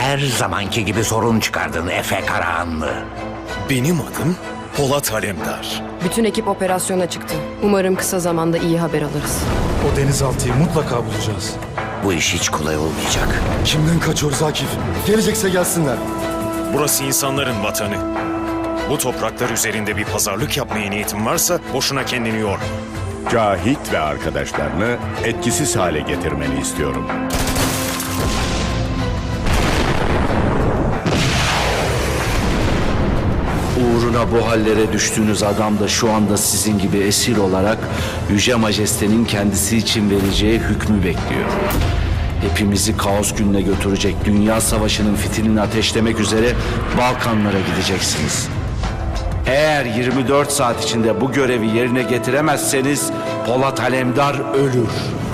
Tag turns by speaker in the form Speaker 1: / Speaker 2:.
Speaker 1: her zamanki gibi sorun çıkardın Efe Karahanlı.
Speaker 2: Benim adım Polat Alemdar.
Speaker 3: Bütün ekip operasyona çıktı. Umarım kısa zamanda iyi haber alırız.
Speaker 4: O denizaltıyı mutlaka bulacağız.
Speaker 1: Bu iş hiç kolay olmayacak.
Speaker 5: Kimden kaçıyoruz Akif? Gelecekse gelsinler.
Speaker 2: Burası insanların vatanı. Bu topraklar üzerinde bir pazarlık yapmaya niyetin varsa boşuna kendini yorma.
Speaker 6: Cahit ve arkadaşlarını etkisiz hale getirmeni istiyorum.
Speaker 7: Uğruna bu hallere düştüğünüz adam da şu anda sizin gibi esir olarak Yüce Majeste'nin kendisi için vereceği hükmü bekliyor. Hepimizi kaos gününe götürecek dünya savaşının fitilini ateşlemek üzere Balkanlara gideceksiniz. Eğer 24 saat içinde bu görevi yerine getiremezseniz Polat Alemdar ölür.